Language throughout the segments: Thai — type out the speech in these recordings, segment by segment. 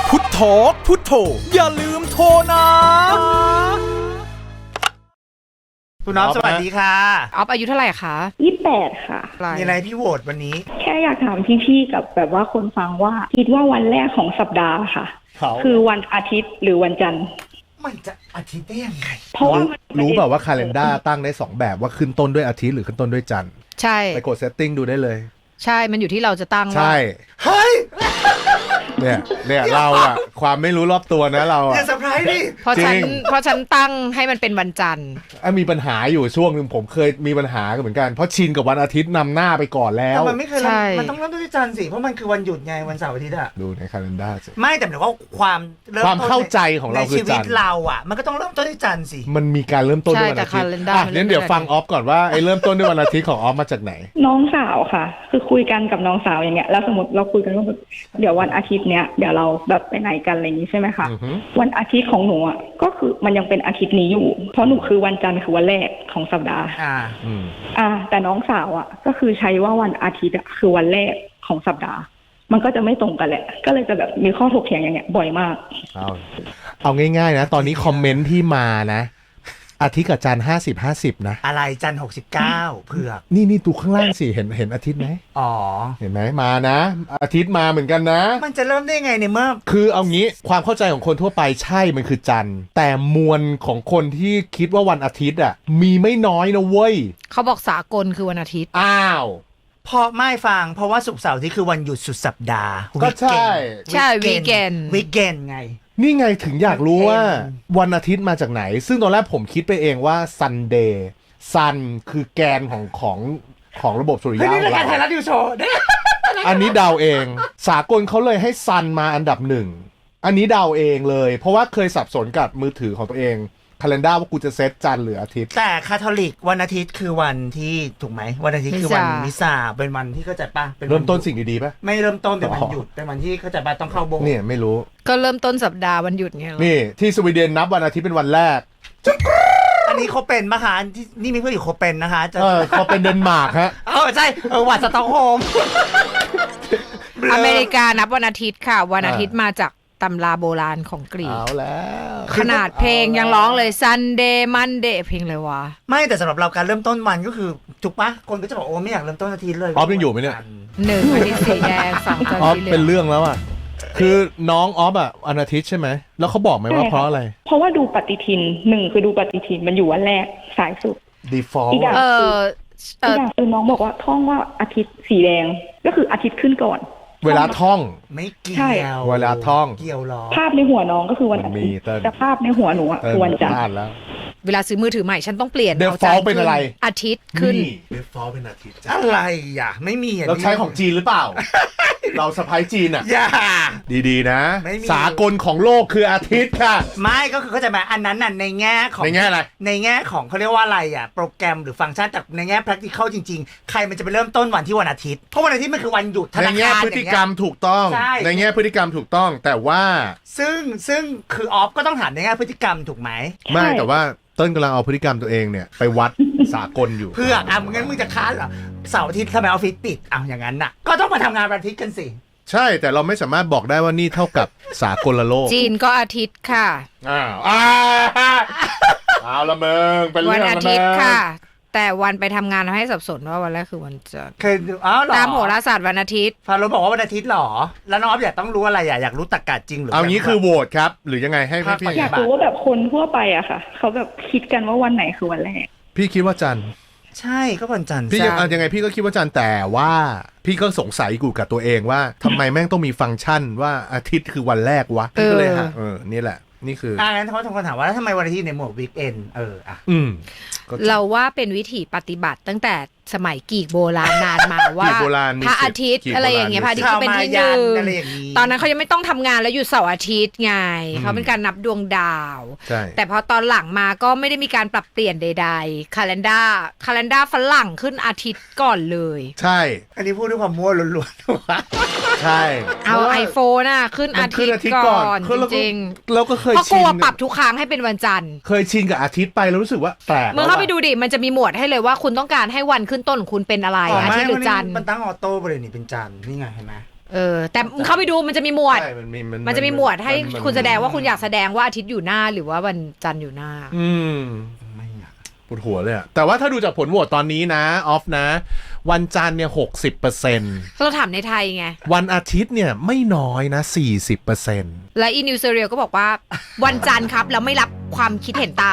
พุทโธพุทโธอย่าลืมโทรนะคุณน้องสวัสดีค่ะออฟอายุเท่าไหร่คะ 28ค่ะมีอะไรพี่โหวตวันนี้แค่อยากถามพี่ๆกับแบบว่าคนฟังว่าคิดว่าวันแรกของสัปดาห์ค่ะคือวันอาทิตย์หรือวันจันทร์มันจะอาทิตย์ได้ยังไงเพราะว่ารู้แบบว่าคาเลนด้าตั้งได้2แบบว่าขึ้นต้นด้วยอาทิตย์หรือขึ้นต้นด้วยจันทร์ใช่ไปกดเซตติ้งดูได้เลยใช่มันอยู่ที่เราจะตั้งว่าใช่เฮ้ยเนี่ยเราอะความไม่รู้รอบตัวนะเราอะอย่าเซอร์ไพรส์ดิเพราะฉันตั้งให้มันเป็นวันจันทร์มีปัญหาอยู่ช่วงนึงผมเคยมีปัญหากันเหมือนกันเพราะชินกับวันอาทิตย์นำหน้าไปก่อนแล้วแต่มันไม่เคยมันต้องเริ่มต้นด้วยจันทร์สิเพราะมันคือวันหยุดไงวันเสาร์อาทิตย์อะดูในคาเลนด้าสิไม่แต่หมายว่าความเข้าใจของเราคือจันทร์ในชีวิตเราอะมันก็ต้องเริ่มต้นด้วยจันทร์สิมันมีการเริ่มต้นด้วยวันอาทิตย์งั้นเดี๋ยวฟังออฟก่อนว่าไอ้เริ่มต้นด้วยวันอาทิตย์ของออฟมาจากไหนน้องสาวค่ะคือคุยกันกับน้องสาวอย่างเงี้ยแล้วสมมติเราคุยกันว่าเดี๋ยววันอาทิตย์เนี้ยเดี๋ยวเราแบบไปไหนกันอะไรอย่างนี้ใช่ไหมคะวันอาทิตย์ของหนูอ่ะก็คือมันยังเป็นอาทิตย์นี้อยู่เพราะหนูคือวันจันทร์คือวันแรกของสัปดาห์แต่น้องสาวอ่ะก็คือใช้ว่าวันอาทิตย์อ่ะคือวันแรกของสัปดาห์มันก็จะไม่ตรงกันแหละก็เลยจะแบบมีข้อถกเถียงอย่างเงี้ยบ่อยมากเอาง่ายๆนะตอนนี้คอมเมนต์ที่มานะอาทิตย์กับจันทร์50-50นะอะไรจันทร์69เผือกนี่ดูข้างล่างสิเห็นอาทิตย์ไหมอ๋อเห็นไหมมานะอาทิตย์มาเหมือนกันนะมันจะเริ่มได้ไงเนี่ยเมื่อคือเอางี้ความเข้าใจของคนทั่วไปใช่มันคือจันทร์แต่มวลของคนที่คิดว่าวันอาทิตย์อ่ะมีไม่น้อยนะเว้ยเขาบอกสากลคือวันอาทิตย์อ้าวเพราะไม่ฟังเพราะว่าศุกร์เสาร์ที่คือวันหยุดสุดสัปดาห์ก็ใช่วีเกนไงนี่ไงถึงอยากรู้ว่าวันอาทิตย์มาจากไหนซึ่งตอนแรกผมคิดไปเองว่า Sunday ซันคือแกนของระบบสุริยะของเรานี่รายการไทยรัฐนิวโชว์อันนี้เดาเองสากลเขาเลยให้ซันมาอันดับ1อันนี้เดาเองเลยเพราะว่าเคยสับสนกับมือถือของตัวเองคาเลนด้าว่ากูจะเซตจันทร์หรืออาทิตย์แต่คาทอลิกวันอาทิตย์คือวันที่ถูกไหมวันอาทิตย์คือวันมิซาเป็นวันที่เข้าใจป่ะเริ่มต้นสิ่งดีๆป่ะไม่เริ่มต้นเป็นวันหยุดเป็นวันที่เข้าใจป่ะต้องเข้าโบสถ์เนี่ยไม่รู้ก็เริ่มต้นสัปดาห์วันหยุดไงนี่ที่สวีเดนนับวันอาทิตย์เป็นวันแรกอันนี้เขาเป็นนะคะที่นี่มีเพื่อนอยู่เขาเป็นนะคะเขาเป็นเดนมาร์กฮะใช่วัดสต็อกโฮล์มอเมริกานับวันอาทิตย์ค่ะวันอาทิตย์มาจากตำราโบราณของกรีกเอาแล้วขนาดเพลงยังร้องเลย Sunday Monday เพลงเลยวะไม่แต่สำหรับเราการเริ่มต้นวันก็คือถูกปะคนก็จะบอกโอ้ไม่อยากเริ่มต้นอาทิตย์เลยออฟยังอยู่ไหมเนี่ย 1อาทิตย์สีแดง2จันทร์ออฟเป็นเรื่องแล้วอ่ะคือน้องออฟอ่ะวันอาทิตย์ใช่ไหมแล้วเขาบอกไหมว่าเพราะอะไรเพราะว่าดูปฏิทิน1คือดูปฏิทินมันอยู่วันแรกสายสุด default อีกอย่างคือน้องบอกว่าท่องว่าอาทิตย์สีแดงก็คืออาทิตย์ขึ้นก่อนเวลาท่องไม่เกี่ยวเวลาท่องเกี่ยวหรอภาพในหัวน้องก็คือวันอาทิตย์แต่ภาพในหัวหนูคือวันจันทร์เวลาซื้อมือถือใหม่ฉันต้องเปลี่ยนเดฟอลเป็นอะไรอาทิตย์ขึ้นเดฟอลเป็นอาทิตย์อะไรอ่ะไม่มีเราใช้ของจีนหรือเปล่าเราสะพ้ายจีนอ่ะอย่าดีๆนะสากลของโลกคืออาทิตย์ค่ะไม่ก็คือเข้าใจไหมอันนั้นน่ะในแง่ของในแง่อะไรในแง่ของเขาเรียกว่าอะไรอ่ะโปรแกรมหรือฟังก์ชันแต่ในแง่ practical จริงๆใครมันจะไปเริ่มต้นวันที่วันอาทิตย์เพราะวันอาทิตย์มันคือวันหยุดธนาคารในแง่พฤติกรรมถูกต้องในแง่พฤติกรรมถูกต้องแต่ว่าซึ่งคือออฟก็ต้องถามในแง่พฤติกรรมถูกไหมไม่แต่ว่าต้นกำลังเอาพฤติกรรมตัวเองเนี่ยไปวัดสากลอยู่เพื่องั้นมึงจะค้านเหรอเสาร์อาทิตย์ทำไมออฟฟิศปิดอย่างนั้นน่ะก็ต้องมาทำงานวันอาทิตย์กันสิใช่แต่เราไม่สามารถบอกได้ว่านี่เท่ากับสากลโลกจีนก็อาทิตย์ค่ะเอาละมึงเป็นเรื่องวันอาทิตย์ค่ะแต่วันไปทำงานทำให้สับสนว่าวันแรกคือวันจันทร์ตามโหราศาสตร์วันอาทิตย์ฟาโรห์บอกว่าวันอาทิตย์หรอแล้วน้องออฟอยากต้องรู้อะไรอยากรู้ตรรกะจริงหรือเอางี้คือโหวตครับหรือยังไงให้พี่อยากรู้ว่าแบบคนทั่วไปอะค่ะเขาแบบคิดกันว่าวันไหนคือวันแรกพี่คิดว่าจันทร์ใช่ก็วันจันทร์พี่ยังไงพี่ก็คิดว่าจันทร์แต่ว่าพี่ก็สงสัยกูกับตัวเองว่าทำไมแม่งต้องมีฟังก์ชันว่าอาทิตย์คือวันแรกวะพี่ก็เลยนี่แหละนี่คืองั้นเขาทำคำถามว่าทำไมวันอาทิตย์ในหมวดวีคเอนเราว่าเป็นวิธีปฏิบัติตั้งแต่สมัยกรีกโบราณนานมาว่าพระอาทิตย์อะไรอย่างเงี้ยพระอาทิตย์ก็เป็นที่หนึ่งตอนนั้นเขายังไม่ต้องทำงานแล้วหยุดเสาร์อาทิตย์ไงเขาเป็นการนับดวงดาวแต่พอตอนหลังมาก็ไม่ได้มีการปรับเปลี่ยนใดๆคาเลนด้าฝรั่งขึ้นอาทิตย์ก่อนเลยใช่อันนี้พูดด้วยความมั่วล้วนๆใช่เอา iPhone น่ะขึ้นอาทิตย์ก่อนจริงๆเราก็เคยชินเพราะกลัวปรับทุกครั้งให้เป็นวันจันทร์เคยชินกับอาทิตย์ไปแล้วรู้สึกว่าแปลกมึงเข้าไปดูดิมันจะมีหมวดให้เลยว่าคุณต้องการให้วันขึ้นต้นของคุณเป็นอะไรอาทิตย์หรือจันทร์มันตั้งออโต้ไปเลยนี่เป็นจันทร์นี่ไงเห็นไหมแต่มึงเข้าไปดูมันจะมีหมวดใช่มันจะมีหมวดให้คุณแสดงว่าคุณอยากแสดงว่าอาทิตย์อยู่หน้าหรือว่าวันจันทร์อยู่หน้าไม่อยากปวดหัวเลยอะแต่ว่าถ้าดูจากผลโหวตตอนนี้นะออฟนะ วันจันทร์เนี่ย60% เราถามในไทยไงวันอาทิตย์เนี่ยไม่น้อยนะ 40% และอีนิวเซเรียลก็บอกว่า วันจันทร์ครับแล้วไม่รับความคิดเห็นต่าง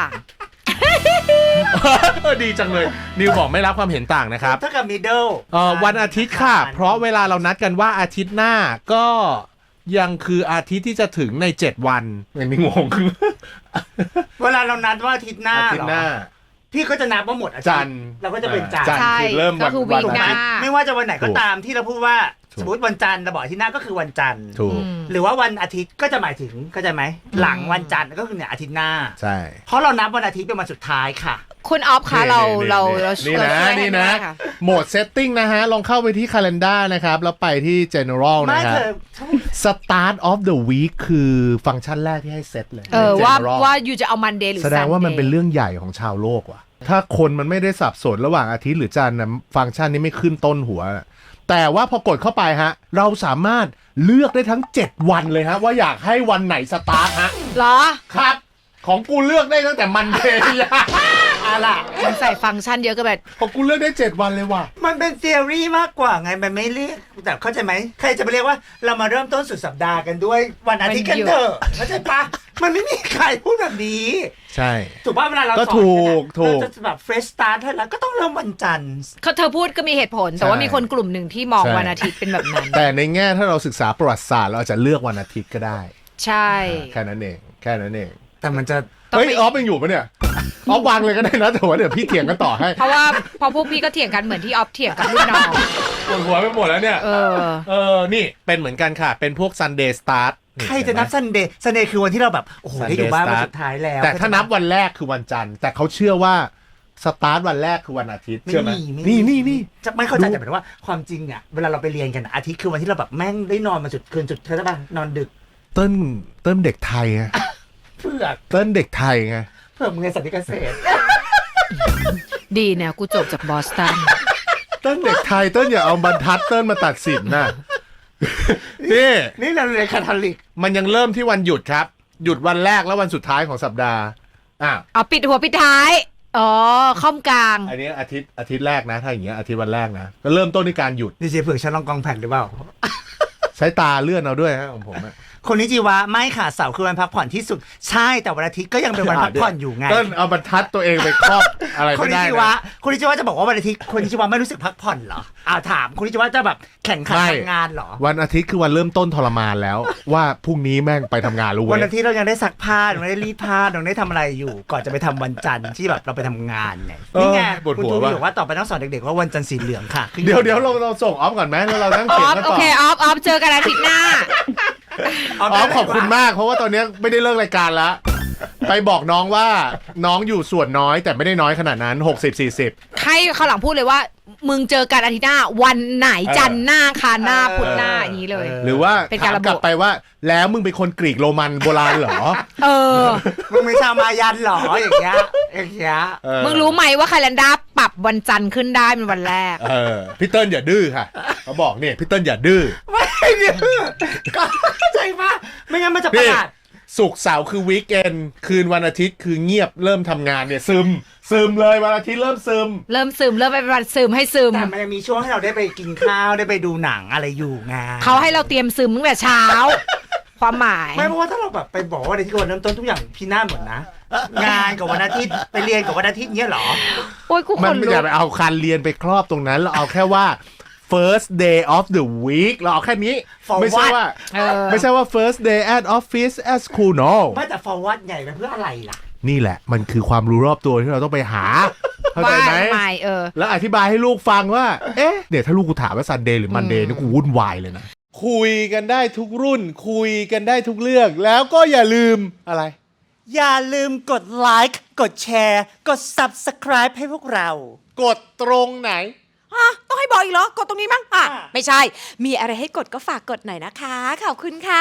ดีจังเลย นิวบอกไม่รับความเห็นต่างนะครับถ้ากับมิดเดิลวันอาทิตย์ค่ะ เพราะเวลาเรานัดกันว่าอาทิตย์หน้าก็ยังคืออาทิตย์ที่จะถึงใน7วันไม่งงเวลาเรานัดว่าอาทิตย์หน้าอาทิตเหรย์หน้าอพี่ก็จะนับว่าหมดอาทิจัตนทร์ย์เราก็จะเป็นจันทจันร์ทร์ใช่คือเริ่มก็คือวันวีคหน้าไม่ว่าจะวันไหนก็ถูกตามที่เราพูดว่าถูกสมมติวันจันทร์เราบอกอาทิตย์หน้าก็คือวันจันทร์ถูกหรือว่าวันอาทิตย์ก็จะหมายถึงเข้าใจไหมหลังวันจันทร์ก็คือเนี่ยอาทิตย์หน้าใช่เพราะเรานับวันอาทิตย์เป็นวันสุดท้ายค่ะคุณออฟคะเรานี่นะช่วยให้นี่นะได้ค่โหมด setting นะฮะ ลองเข้าไปที่ calendar นะครับ แล้วไปที่ general ไม่นะครัเธบอ start of the week คือฟังก์ชันแรกที่ให้เซตเลยว่า General ว่าอยู่จะเอามันเดย์หรือแสดงว่ามัน Sunday เป็นเรื่องใหญ่ของชาวโลกว่ะ ถ้าคนมันไม่ได้สับสนระหว่างอาทิตย์หรือจันทร์นะฟังก์ชันนี้ไม่ขึ้นต้นหัว แต่ว่าพอกดเข้าไปฮะ เราสามารถเลือกได้ทั้ง 7 วันเลยฮะ ว่าอยากให้วันไหนสตาร์ทฮะเหรอครับ ของกูเลือกได้ตั้งแต่มันเดย์อะไรมันใส่ฟังก์ชันเยอะก็แบบของกูเลือกได้ 7 วันเลยว่ะมันเป็น theory มากกว่าไงมันไม่เรียกแต่เข้าใจไหมใครจะไปเรียกว่าเรามาเริ่มต้นสุดสัปดาห์กันด้วยวันอาทิตย์กันเถอะเข้าใจปะมันไม่มีใครพูดแบบนี้ใช่ถูกป่ะเวลาเราก็สอนถูกเนี่ยนะถูกเราจะแบบ fresh start ให้แล้วก็ต้องเริ่มวันจันทร์เธอพูดก็มีเหตุผล แต่ว่าใช่มีคนกลุ่มหนึ่งที่มองใช่วันอาทิตย์เป็นแบบนั้นแต่ในแง่ถ้าเราศึกษาประวัติศาสตร์เราอาจจะเลือกวันอาทิตย์ก็ได้ใช่แค่นั้นเองแค่นั้นเองแต่มันจะต้องเฮ้ยไปออฟยังอยู่ปะเนี่ยออฟวางเลยก็ได้นะแต่ว่าเดี๋ยวพี่เถียงกันต่อให้เพราะว่าพอพวกพี่ก็เถียงกันเหมือนที่ออฟเถียงกับรุ่นน้องปวดหัวไปหมดแล้วเนี่ยเออนี่เป็นเหมือนกันค่ะ เป็นพวก Sunday Start ใครจะนับ Sunday Sunday คือวันที่เราแบบโอ้โห Sunday ได้อยู่บ้านวัน start สุดท้ายแล้วแต่ถ้านับวันแรกคือวันจันทร์แต่เขาเชื่อว่าสตาร์ทวันแรกคือวันอาทิตย์ไม่เชื่อไหมมีไม่มีนี่จะไม่เข้าใจดูแต่หมายถึงว่าความจริงเนี่ยเวลาเราไปเรียนกันอะอาทิตย์คือวันที่เราแบบแม่งได้นอนมาจุดคืนจุดเท่าไหร่นอนดึกเติ้ลเด็กไทยไงเพื่อเติ้ลเด็กไทยไงเพื่อมึงเรียนสันติเกษตรดีเนี่ยกูจบจากบอสตันเติ้ลเด็กไทยเติ้ลอย่าเอาบรรทัดเติ้ลมาตัดสินนะ นี่นี่เราเรียนคาทอลิกมันยังเริ่มที่วันหยุดครับ หยุดวันแรกและวันสุดท้ายของสัปดาห์เอาปิดหัวปิดท้ายอ๋อค่อมกลางอันนี้อาทิตย์แรกนะถ้าอย่างเงี้ยอาทิตย์วันแรกนะก็เริ่มต้นด้วยการหยุดดีเจเผือกฉันลองกองแผ่นหรือเปล่าใช้ตาเลื่อนเอาด้วยฮะของผมอะคนนี้จีวะไม่ค่ะเสาร์คือวันพักผ่อนที่สุดใช่แต่วันอาทิตย์ก็ยังเป็นวันพักผ่อนอยู่ไงเติ้ลเอาบรรทัดตัวเองไปครอบอะไรคนไม่นี้ได้จีนะวะคนนี้จีวะจะบอกว่าวันอาทิตย์คนนี้จีวะไม่รู้สึกพักผ่อนเหรอถามคนนี้จีวะจะแบบแข่งขันไม่ทำงานเหรอวันอาทิตย์คือวันเริ่มต้นทรมานแล้ว ว่าพรุ่งนี้แม่งไปทำงานรู้วันเว้อาย ทิตย์เรายังได้ซักผ้ายังได้รีดผ้ายังได้ทำอะไรอยู่ ก่อนจะไปทำวันจันทร์ที่แบบเราไปทำงานไงนี่ไงปวดคุณหัวทูว่ะบอกว่าต่อไปต้องสอนเด็กๆว่าวันจันทร์สีเหลืองค่ะเดี๋ยวเราส่งออฟก่อนไหมแล้วเรานั่งอเขียนอฟกันโอต่อเคออฟเจอกันอาทิตย์หน้าออฟขอบคุณมากเพราะว่าตอนนี้ไม่ได้เลิกรายการแล้ว ไปบอกน้องว่าน้องอยู่ส่วนน้อยแต่ไม่ได้น้อยขนาดนั้น60-40 ให้เขาวหลังพูดเลยว่า มึงเจอกันอาทิตย์หน้า วันไหนจันทร์หน้าคารหน้าพุธหน้าอย่างนี้เลยหรือว่าเป็นการถามระบุกลับไปว่าแล้วมึงเป็นคนกรีกโรมันโบราณเหรอเออมึงไม่ชาวมายันเหรออย่างเงี้ยมึงรู้ไหมว่าคาล endar ปรับวันจันทร์ขึ้นได้เป็นวันแรกพี่เติ้ลอย่าดื้อค่ะเขาบอกเนี่ยพี่เติ้ลอย่าดื้อไม่เนี่ยก็เข้าใจปะไม่งั้นมันจะประหลาดศุกร์เสาร์คือวีคเอนคืนวันอาทิตย์คือเงียบเริ่มทำงานเนี่ยซึมเลยวันอาทิตย์เริ่มซึมเริ่มไปวันซึมให้ซึมแต่มันยังมีช่วงให้เราได้ไปกินข้าวได้ไปดูหนังอะไรอยู่ไงเขาให้เราเตรียมซึมตั้งแต่เช้า ความหมายไม่เพราะว่าถ้าเราแบบไปบอกว่าวันอาทิตย์วันเริ่มต้นทุกอย่างพินาศหมดนะ งานกับวันอาทิตย์ไปเรียนกับวันอาทิตย์เนี้ยเหรอโอ้ยกูขมันนไม่ลุอย่าก ไปเอาคันเรียนไปครอบตรงนั้นเราเอาแค่ว่า first day of the week เราเอาแค่นี้ For ไม่ใช่ว่าเออไม่ใช่ว่า first day at office at school no ไม่แต่ forward ใหญ่ไปเพื่ออะไรล่ะนี่แหละมันคือความรู้รอบตัวที่เราต้องไปหาเข้าใจไหมไม่แล้วอธิบายให้ลูกฟังว่า เอ๊ะเดี๋ยวถ้าลูกกูถามว่า Sunday หรือ Monday นี่กูวุ่นวายเลยนะ คุยกันได้ทุกรุ่น คุยกันได้ทุกเรื่อง แล้วก็อย่าลืมอะไรอย่าลืมกดไลค์กดแชร์กด subscribe ให้พวกเรากดตรงไหนต้องให้บอกอีกเหรอ กดตรงนี้มั้งอ่ะอ่ะไม่ใช่ มีอะไรให้กดก็ฝากกดหน่อยนะคะ ขอบคุณค่ะ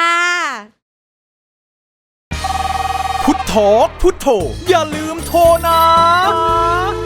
พุทโธพุทโธอย่าลืมโทรนะ